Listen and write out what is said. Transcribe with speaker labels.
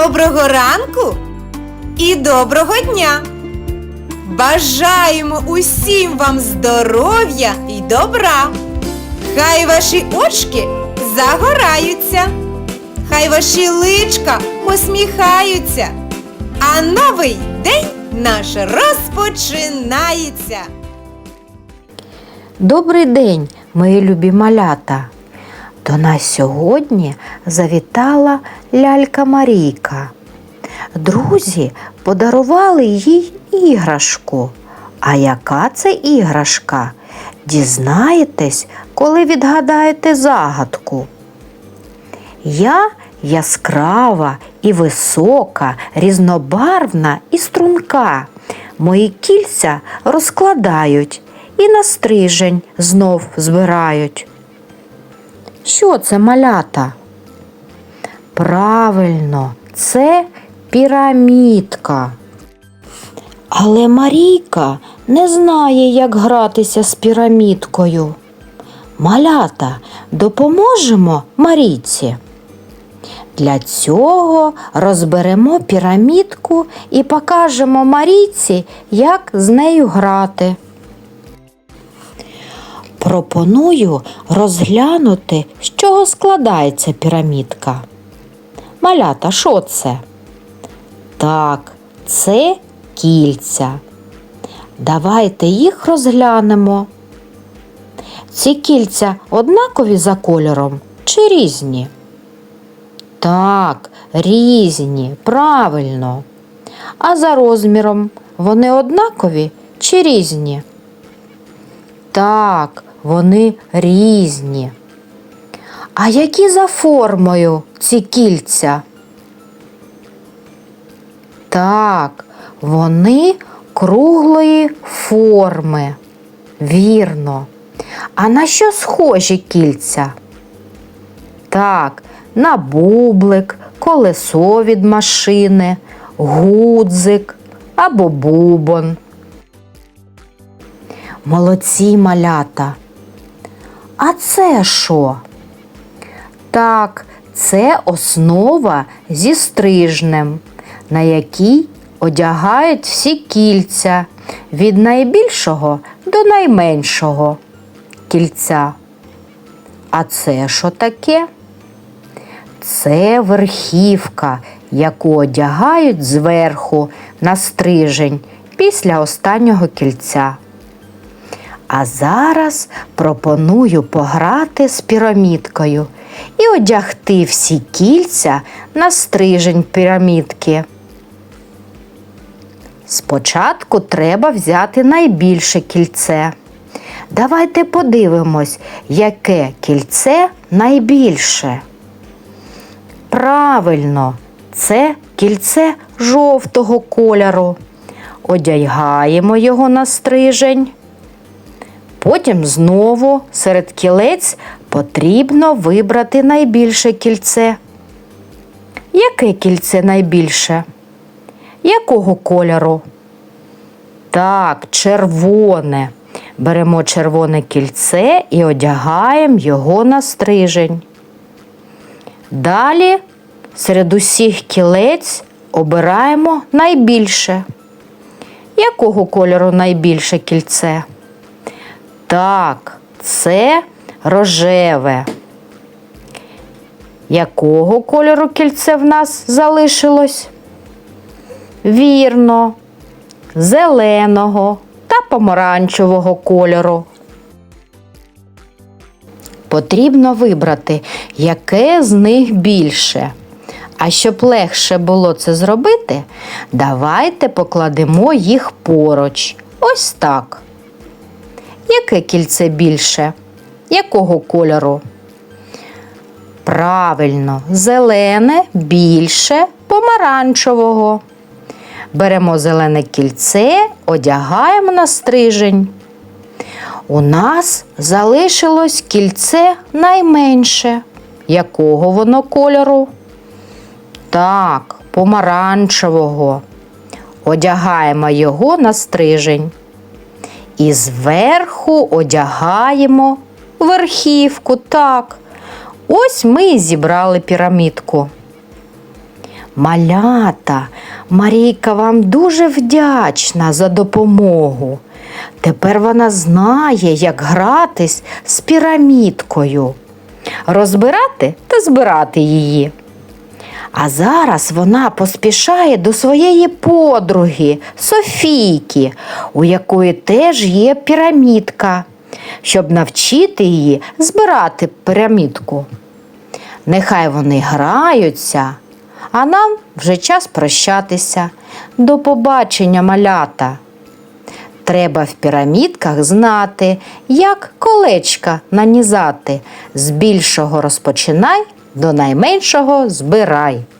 Speaker 1: Доброго ранку і доброго дня! Бажаємо усім вам здоров'я і добра! Хай ваші очки загораються, хай ваші личка посміхаються, а новий день наш розпочинається!
Speaker 2: Добрий день, мої любі малята! До нас сьогодні завітала лялька Марійка. Друзі подарували їй іграшку. А яка це іграшка? Дізнаєтесь, коли відгадаєте загадку. Я яскрава і висока, різнобарвна і струнка. Мої кільця розкладають і на стрижень знов збирають. Що це, малята? Правильно, це пірамідка. Але Марійка не знає, як гратися з пірамідкою. Малята, допоможемо Марійці? Для цього розберемо пірамідку і покажемо Марійці, як з нею грати. Пропоную розглянути, з чого складається пірамідка. Малята, що це? Так, це кільця. Давайте їх розглянемо. Ці кільця однакові за кольором чи різні? Так, різні, правильно. А за розміром вони однакові чи різні? Так, вони різні. А які за формою ці кільця? Так, вони круглої форми. Вірно. А на що схожі кільця? Так, на бублик, колесо від машини, гудзик або бубон. Молодці, малята! А це що? Так, це основа зі стрижнем, на якій одягають всі кільця від найбільшого до найменшого кільця. А це що таке? Це верхівка, яку одягають зверху на стрижень після останнього кільця. А зараз пропоную пограти з пірамідкою і одягти всі кільця на стрижень пірамідки. Спочатку треба взяти найбільше кільце. Давайте подивимось, яке кільце найбільше. Правильно, це кільце жовтого кольору. Одягаємо його на стрижень. Потім знову серед кілець потрібно вибрати найбільше кільце. Яке кільце найбільше? Якого кольору? Так, червоне. Беремо червоне кільце і одягаємо його на стрижень. Далі серед усіх кілець обираємо найбільше. Якого кольору найбільше кільце? Так, це рожеве. Якого кольору кільце в нас залишилось? Вірно, зеленого та помаранчевого кольору. Потрібно вибрати, яке з них більше. А щоб легше було це зробити, давайте покладемо їх поруч. Ось так. Яке кільце більше? Якого кольору? Правильно, зелене більше помаранчевого. Беремо зелене кільце, одягаємо на стрижень. У нас залишилось кільце найменше. Якого воно кольору? Так, помаранчевого. Одягаємо його на стрижень. І зверху одягаємо верхівку. Так, ось ми і зібрали пірамідку. Малята, Марійка вам дуже вдячна за допомогу. Тепер вона знає, як гратись з пірамідкою, розбирати та збирати її. А зараз вона поспішає до своєї подруги Софійки, у якої теж є пірамідка, щоб навчити її збирати пірамідку. Нехай вони граються, а нам вже час прощатися. До побачення, малята! Треба в пірамідках знати, як колечка нанізати. З більшого розпочинай, до найменшого збирай.